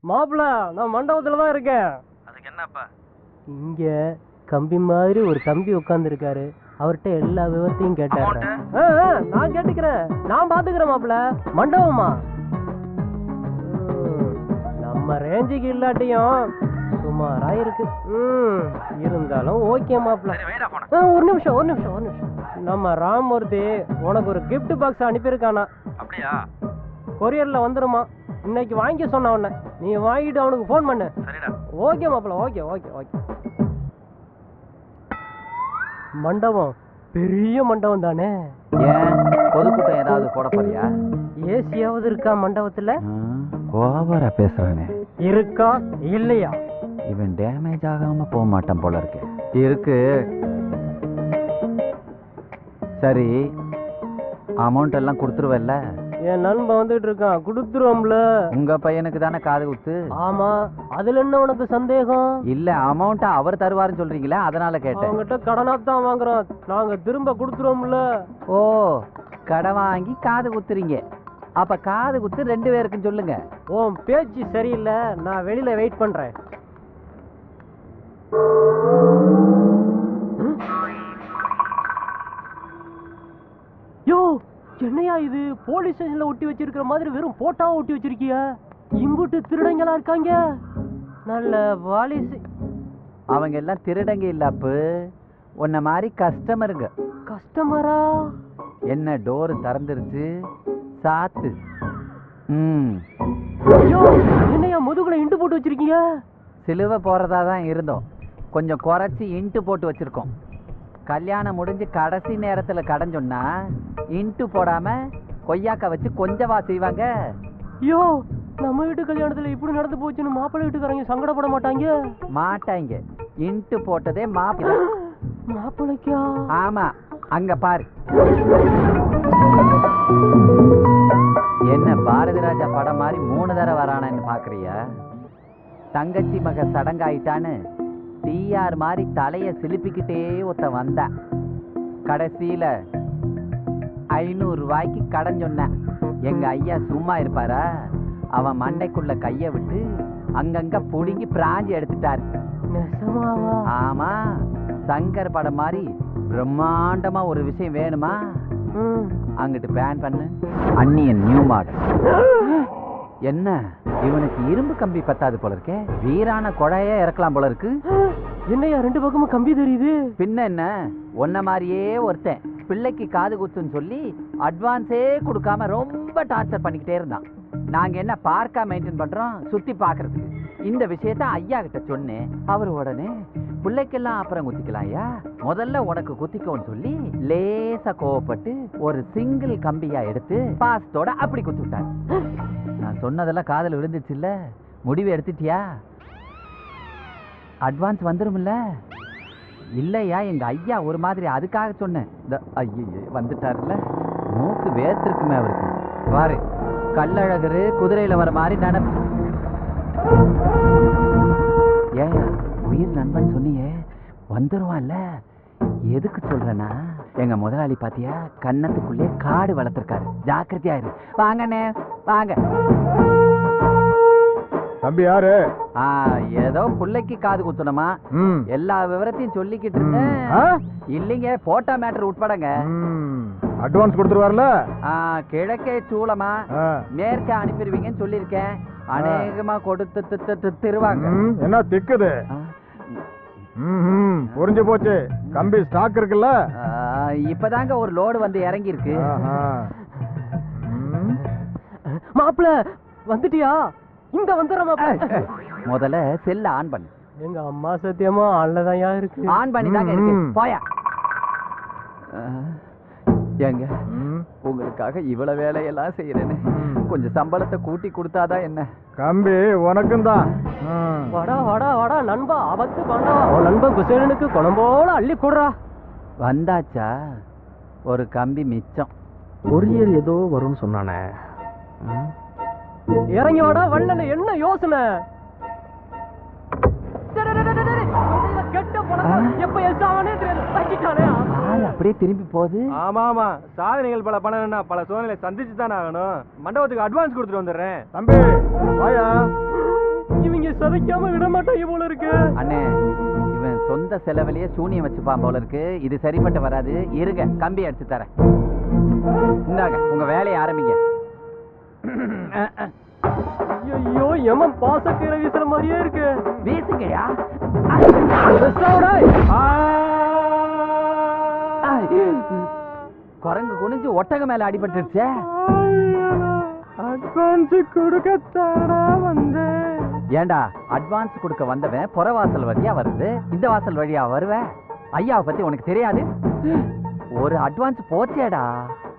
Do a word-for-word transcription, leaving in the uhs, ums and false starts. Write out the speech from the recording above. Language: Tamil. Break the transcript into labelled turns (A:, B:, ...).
A: மாப்பிள்ள நான் மண்டபத்துல தான் இருக்கேன்.
B: அதுக்கு என்னப்பா?
A: இங்க கம்பி மாதிரி ஒரு தம்பி உட்கார்ந்து இருக்காரு. அவர்கிட்ட எல்லா விவரத்தையும் கேட்டாரு. நான் கேட்டுக்கிறேன், நான் பாத்துக்கிறேன் மாப்பிள்ள. மண்டபமா நம்ம ரேஞ்சுக்கு இல்லாட்டியும் சுமாரா இருக்கு. ம் இருந்தாலும் ஓகே மாப்பிள்ள. ஒரு நிமிஷம் ஒரு நிமிஷம் ஒரு நிமிஷம் நம்ம ராமமூர்த்தி உனக்கு ஒரு கிஃப்ட் பாக்ஸ் அனுப்பியிருக்கானா?
B: அப்படியா?
A: கொரியர்ல வந்துருமா, இன்னைக்கு வாங்கி சொன்ன உடனே நீ வாங்கிட்டு அவனுக்கு ஃபோன் பண்ணு. ஓகே மாப்பிள்ள, ஓகே ஓகே ஓகே. மண்டபம் பெரிய மண்டபம் தானே?
C: ஏன் பொதுக்கூட்டம் ஏதாவது போட போறியா?
A: ஏசியாவது இருக்கா மண்டபத்துல?
C: ஓவரா பேசுறானே.
A: இருக்கா இல்லையா?
C: இவன் டேமேஜ் ஆகாம போக மாட்டான் போல இருக்கு. இருக்கு. சரி, அமௌண்ட் எல்லாம் கொடுத்துருவல்ல?
A: என் நண்பன் வந்துட்டு இருக்கான், கொடுத்துருவோம்ல.
C: உங்க பையனுக்கு தானே காது குத்து?
A: ஆமா, அதுல என்ன உனக்கு சந்தேகம்?
C: இல்ல, அமௌண்ட் அவர் தருவாருன்னு சொல்றீங்களே, அதனால கேட்டேன்.
A: அவங்ககிட்ட கடனா தான் வாங்குறோம், நாங்க திரும்ப கொடுத்துருவோம்ல.
C: ஓ, கடை வாங்கி காது குத்துறீங்க. அப்ப காது குத்து ரெண்டு பேருக்குன்னு சொல்லுங்க.
A: ஓ பேச்சு சரியில்லை, நான் வெளியில வெயிட் பண்றேன். யோ என்னையா இது, போலீஸ் ஸ்டேஷன்ல ஒட்டி வச்சிருக்கிற மாதிரி வெறும் போட்டாவை ஒட்டி வச்சிருக்கிய? இம்புட்டு திருடங்களா இருக்காங்க. நல்ல பாலிசி.
C: அவங்க எல்லாம் திருடங்க இல்லப்பு, உன்ன மாதிரி கஸ்டமருங்க.
A: கஸ்டமரா?
C: என்ன டோர் திறந்துருச்சு, சாத்து. ம்
A: என்னையா முதுகுல இண்டு போட்டு வச்சிருக்கீங்க?
C: சிலுவை போறதா தான் இருந்தோம், கொஞ்சம் குறைச்சி இன்ட்டு போட்டு வச்சிருக்கோம். கல்யாணம் முடிஞ்சு கடைசி நேரத்தில் கடன் சொன்னா இன்ட்டு போடாம கொய்யாக்கா வச்சு கொஞ்சவா செய்வாங்க.
A: ஐயோ, நம்ம வீட்டு கல்யாணத்துல இப்படி நடந்து போச்சுன்னு மாப்பிள்ளை வீட்டுக்காரங்க சங்கடப்பட மாட்டாங்க?
C: மாட்டாங்க. இன்ட்டு போட்டதே மாப்பிள்ளை.
A: மாப்பிள்ளைக்கா?
C: ஆமா, அங்க பாரு. என்ன பாரதி ராஜா படம் மாதிரி மூணு தடவை வரானு பாக்குறியா? தங்கச்சி மக சடங்காயிட்டான்னு டிஆர் மாதிரி தலைய சிலிப்பிக்கிட்டே ஒருத்த வந்தா. கடைசியில ஐநூறு ரூபாய்க்கு கடன் சொன்னேன். எங்க ஐயா சும்மா இருப்பாரா? அவன் மண்டைக்குள்ள கைய விட்டு அங்கங்க புடுங்கி பிராஞ்சி எடுத்துட்டாரு. ஆமா, சங்கர் படம் மாதிரி பிரம்மாண்டமா ஒரு விஷயம் வேணுமா? அங்கிட்டு பேன் பண்ணு. Anniyan new model. என்ன இவனுக்கு இரும்பு கம்பி பத்தாது போல இருக்கே, வீரான கொடையே இறக்கலாம் போல இருக்கு.
A: என்னையா ரெண்டு பக்கமும் கம்பி தெரியுது?
C: பின்ன என்ன, ஒன்ன மாதிரியே ஒருத்தன் பிள்ளைக்கு காது குத்துன்னு சொல்லி அட்வான்ஸே கொடுக்காம ரொம்ப டார்ச்சர் பண்ணிக்கிட்டே இருந்தான். நாங்க என்ன பார்க்கா மெயின்டைன் பண்றோம், சுத்தி பாக்குறதுக்கு. இந்த விஷயத்த ஐயா கிட்ட சொன்னேன். அவர் உடனே பிள்ளைக்கெல்லாம் அப்புறம் குத்திக்கலாம் ஐயா, முதல்ல உனக்கு குத்திக்கோன்னு சொல்லி லேசா கோவப்பட்டு ஒரு சிங்கிள் கம்பியா எடுத்து பாசத்தோட அப்படி குத்தி விட்டாரு. நான் சொன்னதெல்லாம் காதல் விழுந்துச்சு இல்ல? முடிவு எடுத்துட்டியா? அட்வான்ஸ் வந்துரும்ல? இல்லையா, எங்க ஐயா ஒரு மாதிரி, அதுக்காக சொன்னேன். ஐயோ வந்துட்டாருல்ல, மூக்கு வேர்த்திருக்குமே அவருக்கு. பாரு, கல்லழகரு குதிரையில வர மாதிரி நினைப்பு. ஏன் உயிர் நண்பன் சொன்னியே, வந்துருவான்ல? எதுக்கு சொல்றேன்னா, எங்க முதலாளி பாத்தியா கன்னத்துக்குள்ளே காடு வளர்த்திருக்காரு. ஜாக்கிரதையா இரு. வாங்கண்ணே வாங்க.
D: தம்பி யாரு?
C: ஏதோ பிள்ளைக்கு காது குத்தணுமா, எல்லா விவரத்தையும் சொல்லிக்கிட்டு இருந்தேன். இல்லைங்க, போட்டோ மேட்டர் உட்படங்க.
D: அட்வான்ஸ் கொடுத்துருவார்ல?
C: கிழக்கே சூளமா மேற்க அனுப்பிடுவீங்கன்னு சொல்லியிருக்கேன். அநேகமா கொடுத்து திருவாங்க.
D: என்ன திக்குது? புரிஞ்சு போச்சு. கம்பி ஸ்டாக் இருக்குல்ல?
C: இப்பதாங்க ஒரு லோடு வந்து இறங்கி இருக்கு.
A: மாப்பிள்ள வந்துட்டியா? இங்க வந்துடுற மாப்பிள்ள.
C: முதல்ல செல்ல ஆன் பண்ணு.
A: எங்க அம்மா சத்தியமா ஆன்லதான் இருக்கு.
C: ஆன் பண்ணி தாங்க இருக்கு. போயா. ஏங்க, உங்களுக்காக இவ்வளவு வேலையெல்லாம் செய்யறேன்னு கொஞ்சம் சம்பளத்தை கூட்டி கொடுத்தாதான் என்ன?
D: கம்பி உனக்கும் தான்.
A: வாடா வாடா வாடா நண்பா, ஆபத்து பண்ணா. உன் நண்பன் குசேலனுக்கு குணம்போல அள்ளி கொடுறா.
C: வந்தாச்சா? ஒரு கம்பி மிச்சம்.
E: கொரியர் ஏதோ வரும்னு சொன்னானே.
A: இறங்கி வாடா வள்ளல. என்ன யோசனை?
C: அப்படியே திரும்பி போகுது.
B: ஆமா ஆமா, சாதனைகள் பல பண்ணணும்னா பல சோதனைகளை சந்திச்சு தானே ஆகணும். மண்டபத்துக்கு அட்வான்ஸ் கொடுத்துட்டு வந்துடுறேன்.
D: தம்பி வாயா.
A: சதைக்காம விட மாட்டாங்க போல இருக்கு.
C: அண்ணே இவன் சொந்த செலவிலேயே சூனியம் வச்சுப்பான் போல இருக்கு. இது சரிப்பட்டு வராது. இருங்க, கம்பி எடுத்து தரேன். இந்தாங்க, உங்க வேலையை ஆரம்பிங்க.
A: ஐயோ, எமன் பாசக்கீரை வீசுற மாதிரியே இருக்கு.
C: வீசுங்கயா. குரங்கு குனிஞ்சு ஒட்டக மேல அடிபட்டுருச்சே.
A: அட்வான்ஸ் கொடுக்கத்தாடா வந்தேன்.
C: ஏண்டா அட்வான்ஸ் கொடுக்க வந்தவன் புறவாசல் வழியா வருது, இந்த வாசல் வழியா வருவேன். ஐயாவை பத்தி உனக்கு தெரியாது? ஒரு அட்வான்ஸ் போச்சேடா.